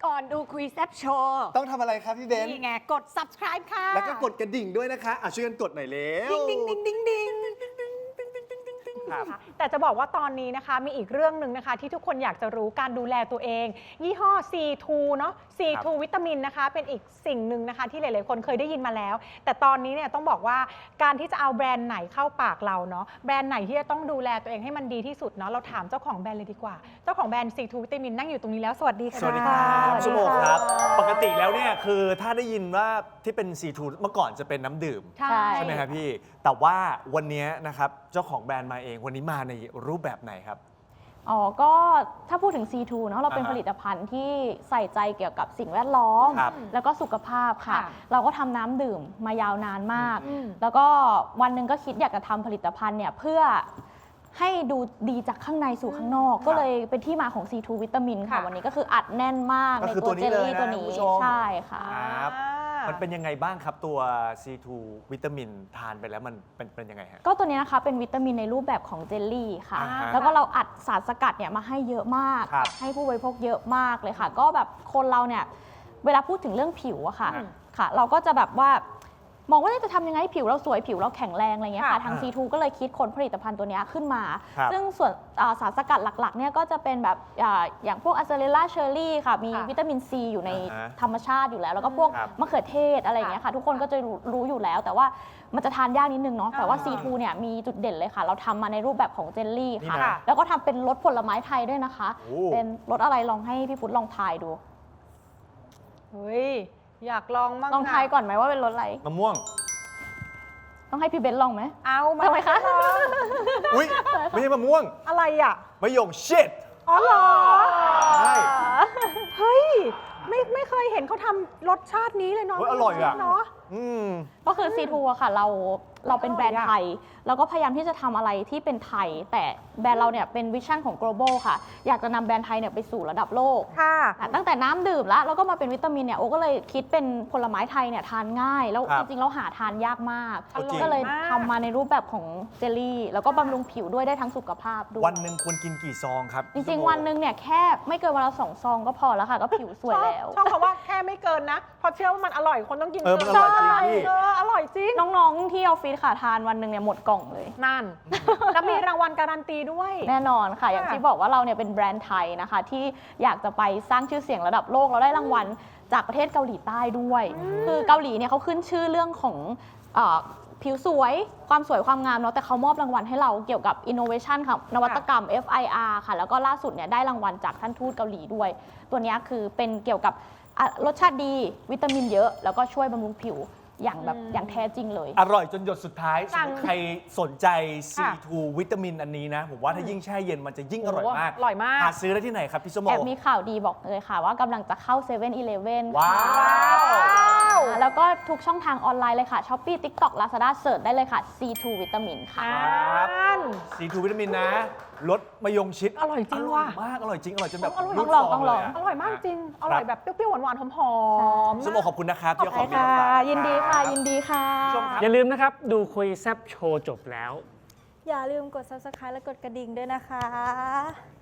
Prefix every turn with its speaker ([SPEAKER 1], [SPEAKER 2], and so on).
[SPEAKER 1] ก่อนดูคุยแซบโชว์
[SPEAKER 2] ต้องทำอะไรครับพี่เบนซ์
[SPEAKER 1] นี่ไงกด subscribe ค่ะ
[SPEAKER 2] แล้วก็กดกระดิ่งด้วยนะคะช่วยกันกดหน่อยเร็ว
[SPEAKER 1] ดิ้งดิ้งดิ้งดิ้งดิ้ง
[SPEAKER 2] ครับ
[SPEAKER 3] แต่จะบอกว่าตอนนี้นะคะมีอีกเรื่องหนึ่งนะคะที่ทุกคนอยากจะรู้การดูแลตัวเอง ยี่ห้อ C2 เนาะ C2 วิตามินนะคะเป็นอีกสิ่งหนึ่งนะคะที่หลายๆคนเคยได้ยินมาแล้ว แต่ตอนนี้เนี่ยต้องบอกว่าการที่จะเอาแบรนด์ไหนเข้าปากเราเนาะแบรนด์ไหนที่จะต้องดูแลตัวเองให้มันดีที่สุดเนาะเราถามเจ้าของแบรนด์เลยดีกว่าเจ้าของแบรนด์ C2 วิตามินนั่งอยู่ตรงนี้แล้วสวัสดีค่ะ
[SPEAKER 4] สวัสดีครับ
[SPEAKER 3] สวัส
[SPEAKER 4] ชั่ว
[SPEAKER 3] ดี
[SPEAKER 4] โมง
[SPEAKER 3] ค่ะ
[SPEAKER 4] ครับ ปกติแล้วเนี่ยคือถ้าได้ยินว่าที่เป็น C2 เมื่อก่อนจะเป็นน้ำดื่ม
[SPEAKER 3] ใช่
[SPEAKER 4] ใช่ไหมครับพี่ แต่ว่าวันนี้นะครับเจ้าของแบรนด์มาเองวันนี้มาในรูปแบบไหนครับ
[SPEAKER 5] อ๋อ ก็ถ้าพูดถึง C2 เนาะเราเป็น
[SPEAKER 4] อ่าฮะ
[SPEAKER 5] ผลิตภัณฑ์ที่ใส่ใจเกี่ยวกับสิ่งแวดล้อม
[SPEAKER 4] ครับ
[SPEAKER 5] แล้วก็สุขภาพค่ะ
[SPEAKER 3] ค่ะ
[SPEAKER 5] เราก็ทำน้ำดื่มมายาวนานมาก
[SPEAKER 3] อืม
[SPEAKER 5] แล้วก็วันหนึ่งก็คิดอยากจะทำผลิตภัณฑ์เนี่ยเพื่อให้ดูดีจากข้างในสู่ข้างนอก ก็เลยเป็นที่มาของ C2 วิตามินค่ะ
[SPEAKER 3] ค่ะ
[SPEAKER 5] วันนี้ก็คืออัดแน่นมาก
[SPEAKER 4] ก็
[SPEAKER 5] ใน
[SPEAKER 4] คือ
[SPEAKER 5] ตัว
[SPEAKER 4] ตัวนี้
[SPEAKER 5] เจลลี่
[SPEAKER 4] เลยนะ
[SPEAKER 5] ตัวนี้
[SPEAKER 4] คุณผู้ชม
[SPEAKER 5] ใช่ค่ะ
[SPEAKER 4] ครับ
[SPEAKER 3] อ่า
[SPEAKER 4] มันเป็นยังไงบ้างครับตัว C2 วิตามินทานไปแล้วมันเป็นยังไงฮะ
[SPEAKER 5] ก็ตัวนี้นะคะเป็นวิตามินในรูปแบบของเจลลี่ค่ะ
[SPEAKER 4] อ่าฮะ
[SPEAKER 5] แล้วก็เราอัดสารสกัดเนี่ยมาให้เยอะมาก
[SPEAKER 4] ครับ
[SPEAKER 5] ให้ผู้บริโภคเยอะมากเลยค่ะ ก็แบบคนเราเนี่ยเวลาพูดถึงเรื่องผิวอะค่ะ
[SPEAKER 4] อืม
[SPEAKER 5] ค่ะ เราก็จะแบบว่ามองว่าจะทำยังไงให้ผิวเราสวยผิวเราแข็งแรงอะไรเงี้ยค่ะ
[SPEAKER 3] ค่ะ
[SPEAKER 5] ทาง C2 ก็เลยคิดค้นผลิตภัณฑ์ตัวเนี้ยขึ้นมา
[SPEAKER 4] ครับ
[SPEAKER 5] ซึ่งส่วนสารสกัดหลักๆเนี่ยก็จะเป็นแบบอย่างพวกอะเซเลล่าเชอร์รี่ค่ะมี
[SPEAKER 3] ค่ะ
[SPEAKER 5] วิตามินซีอยู่ใน
[SPEAKER 4] อ่าฮะ
[SPEAKER 5] ธรรมชาติอยู่แล้ว แล้วก็พวก
[SPEAKER 4] ครับ
[SPEAKER 5] มะเขือเทศอะไรอย่างเงี้ยค่ะ ทุกคนก็จะรู้อยู่แล้ว แต่ว่ามันจะทานยากนิดนึงเนาะแต่ว่า
[SPEAKER 3] อ่า
[SPEAKER 5] C2 เนี่ยมีจุดเด่นเลยค่ะ เราทำมาในรูปแบบของเจลลี่
[SPEAKER 4] นี่
[SPEAKER 5] ค่ะ
[SPEAKER 4] นะ
[SPEAKER 5] แล้วก็ทำเป็นรสผลไม้ไทยด้วยนะคะ
[SPEAKER 4] โอ้
[SPEAKER 5] เป็นรสอะไรลองให้พี่พุทธลองทายดู
[SPEAKER 3] เฮ้ยอยากลองมั่ง
[SPEAKER 5] ลองทายก่อนไหมว่าเป็นรสอะไร
[SPEAKER 4] มะม่วง
[SPEAKER 5] ต้องให้พี่เบนซ์ลองไหม
[SPEAKER 3] เอามา
[SPEAKER 5] ทำไมคะ
[SPEAKER 3] ลอง
[SPEAKER 4] อุ้ยไม่ใช่มะม่วง
[SPEAKER 3] อะไรอ่ะ
[SPEAKER 4] มะยงชิด
[SPEAKER 3] อ๋อเหรอ
[SPEAKER 4] ใช่
[SPEAKER 3] เฮ้ยไม่เคยเห็นเขาทำรสชาตินี้เลยเนาะ
[SPEAKER 4] เฮ้ยอร่อยอะ
[SPEAKER 3] เนาะ
[SPEAKER 4] อืม
[SPEAKER 5] ก็คือ C2 อะค่ะเราเป็นแบรนด์ไทย เราก็พยายามที่จะทำอะไรที่เป็นไทย แต่แบรนด์เราเนี่ยเป็นวิชั่นของ global ค่ะ อยากจะนำแบรนด์ไทยเนี่ยไปสู่ระดับโลก
[SPEAKER 3] ค่ะ
[SPEAKER 5] ตั้งแต่น้ำดื่มแล้วก็มาเป็นวิตามินเนี่ยโอก็เลยคิดเป็นผลไม้ไทยเนี่ยทานง่าย แล้ว
[SPEAKER 4] ครั
[SPEAKER 5] จ
[SPEAKER 4] บ
[SPEAKER 5] ริงๆเราหาทานยากมาก
[SPEAKER 4] อร่อย
[SPEAKER 5] ก็เลย
[SPEAKER 3] มาก
[SPEAKER 5] ทำมาในรูปแบบของเจลลี่ แล้วก็บำรุงผิวด้วยได้ทั้งสุขภาพด้วย
[SPEAKER 4] วันหนึ่งควรกินกี่ซองครับ
[SPEAKER 5] จริงๆ วันหนึ่งเนี่ยแค่ไม่เกินวันละ2 ซองก็พอแล้วค่ะ ก็ผิวสวยแล้ว
[SPEAKER 3] ชอบคำว่าแค่ไม่เกินนะเพราะเชื่อว่ามันอร่อยคนต้องกิน
[SPEAKER 4] มันอร่อยจริงพี่
[SPEAKER 3] อร่อยจริง
[SPEAKER 5] น้องๆที่ออฟฟิศค่ะทานวันหนึ่งเนี่ยหมดกล่องเลย
[SPEAKER 3] นั่น แล้วมีรางวัลการันตีด้วย
[SPEAKER 5] แน่นอนค่ะ อย่างที่บอกว่าเราเนี่ยเป็นแบรนด์ไทยนะคะ ที่อยากจะไปสร้างชื่อเสียงระดับโลกเราได้รางวัลจากประเทศเกาหลีใต้ด้วย คือเกาหลีเนี่ยเขาขึ้นชื่อเรื่องของผิวสวยความสวยความงามเนาะแต่เขามอบรางวัลให้เราเกี่ยวกับ innovation ค่ะนวัตกรรม FIR ค่ะ แล้วก็ล่าสุดเนี่ยได้รางวัลจากท่านทูตเกาหลีด้วย ตัวเนี้ยคือเป็นเกี่ยวกับรสชาติดีวิตามินเยอะ แล้วก็ช่วยบำรุงผิวอย่างแบบอย่างแท้จริงเลย
[SPEAKER 4] อร่อยจนหยดสุดท้าย
[SPEAKER 3] สั่ง
[SPEAKER 4] ใครสนใจ
[SPEAKER 3] ค่ะ
[SPEAKER 4] C2 วิตามินอันนี้นะ ผมว่าถ้ายิ่งแช่เย็นมันจะยิ่งอร่อยมาก
[SPEAKER 3] อร่อยมาก
[SPEAKER 4] หาซื้อได้ที่ไหนครับพี่สมโม
[SPEAKER 5] แอบมีข่าวดีบอกเลยค่ะ ว่ากำลังจะเข้า7 e เ e ่ e อ
[SPEAKER 4] ว้าว
[SPEAKER 5] แล้วก็ทุกช่องทางออนไลน์เลยค่ะ Shopee TikTok Lazada เสิร์ชได้เลยค่ะ C2 วิตามินค่ะ
[SPEAKER 4] ครับ
[SPEAKER 3] นั่น
[SPEAKER 4] C2 วิตามินนะรสมะยงชิด
[SPEAKER 3] อร่อยจริงว่ะ
[SPEAKER 4] มากอร่อยจริงอร่อยจนแบบ
[SPEAKER 3] อร่อย
[SPEAKER 4] รูด
[SPEAKER 5] ต้องลอง
[SPEAKER 4] ฟ
[SPEAKER 5] ต้องลอง
[SPEAKER 4] เะ
[SPEAKER 3] อร่อยมากจริง อร่อยแบบเปรี้ยวๆหวานๆหอมๆ
[SPEAKER 4] สมโมขอบคุณนะครับที่เอาของดี
[SPEAKER 5] ค่ะ
[SPEAKER 4] มาฝาก
[SPEAKER 5] ยินดีค่ะ ยินดีค่ะ
[SPEAKER 4] ผู้ชมครับ
[SPEAKER 6] อย่าลืมนะครับ ดูคุยแซบโชว์จบแล้ว
[SPEAKER 7] อย่าลืมกด subscribe และกดกระดิ่งด้วยนะคะ